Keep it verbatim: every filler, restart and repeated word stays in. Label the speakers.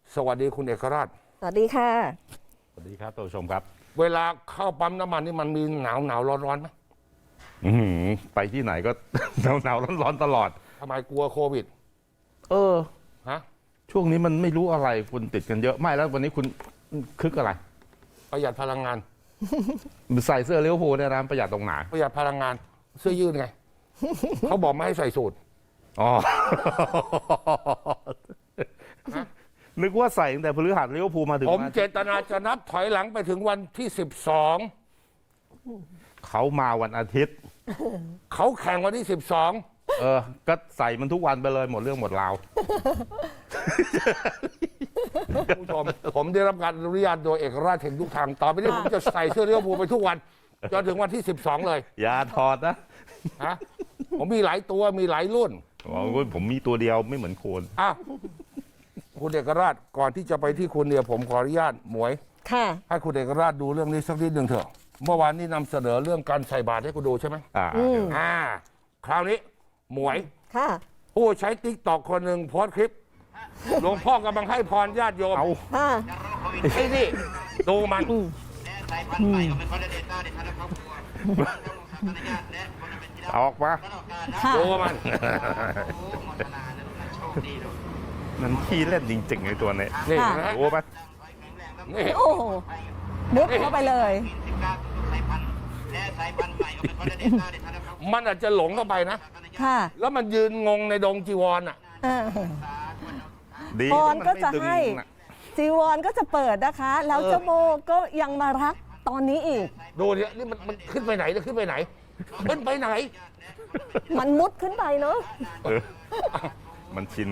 Speaker 1: สวัสดีคุณเอกราช
Speaker 2: สวัสดีค่ะ
Speaker 3: สวัสดีครับท่านผู้ชมครับ
Speaker 1: เวลาเข้าปั๊มน้ำมันนี่มันมีหนาวหนาวร้อนร้อนไหม
Speaker 3: อืมไปที่ไหนก็ หนาวหนาวร้อนร้อนตลอด
Speaker 1: ทำไมกลัวโควิด
Speaker 3: เออ
Speaker 1: ฮะ
Speaker 3: ช่วงนี้มันไม่รู้อะไรคุณติดกันเยอะไม่แล้ววันนี้คุณคึกอะไร
Speaker 1: ประหยัดพลังงาน
Speaker 3: ใส่เสื้อเลี้ยวโพเนี่ยนะประหยัดตรงไหน
Speaker 1: ประหยัดพลังงานเสื้อยืดไง เขาบอกไม่ให้ใส่สูท
Speaker 3: อ๋อ นึกว่าใส่ตั้งแต่พฤหัสเลี้ยวภูมาถึง
Speaker 1: ผมเจตนาจะนับถอยหลังไปถึงวันที่สิบสอง
Speaker 3: เขามาวันอาทิตย์
Speaker 1: เขาแข่งวันที่สิบสอง
Speaker 3: เออก็ใส่มันทุกวันไปเลยหมดเรื่องหมดราว
Speaker 1: ผู้ชมผมได้รับการอนุญาตโดยเอกราชเห็นทุกทางต่อไปนี้ผมจะใส่เสื้อเลี้ยวภูไปทุกวันจนถึงวันที่สิบสองเลย
Speaker 3: อย่าถอดนะ
Speaker 1: ฮะผมมีหลายตัวมีหลายรุ่น
Speaker 3: อ๋อผมมีตัวเดียวไม่เหมือนโคน
Speaker 1: อ้าวคุณเอกราชก่อนที่จะไปที่คุณเนี่ยผมขออนุญาตหมวย
Speaker 2: ค่ะ
Speaker 1: ให้คุณเอกราชดูเรื่องนี้สักนิดหนึ่งเถอะเมื่อวานนี้นำเสนอเรื่องการใส่บาตรให้คุณดูใช่ไหม
Speaker 3: อ่า
Speaker 1: อ่าคราวนี้หมวย
Speaker 2: ค่ะ
Speaker 1: ผู้ใช้ติ๊กตอกคนหนึ่งโพสต์คลิปหลวงพ่อกำลังให้พรญาติโยม
Speaker 3: เอา
Speaker 2: ค่ะ
Speaker 1: ไอ้นี่ดูมัน
Speaker 3: ออกมา
Speaker 1: ดูมัน
Speaker 3: มันขี้เล่นจริงๆในตัวนี้
Speaker 1: นี่
Speaker 3: นะโอ้ปะ
Speaker 1: นี่
Speaker 2: โอ้มุดเข้าไปเลย
Speaker 1: มันอาจจะหลงเข้าไปนะ
Speaker 2: ค่ะ
Speaker 1: แล้วมันยืนงงในดงจีวรอ่ะ
Speaker 2: พรก็จะให้จีวรก็จะเปิดนะคะ แล้วเจ้าโมก็ยังมารักตอนนี้อีก
Speaker 1: ดูเนี่ยนี่มันมันขึ้นไปไหนจะขึ้นไปไหนขึ้นไปไหน
Speaker 2: มันมุดขึ้นไปเนาะ
Speaker 3: มันชิน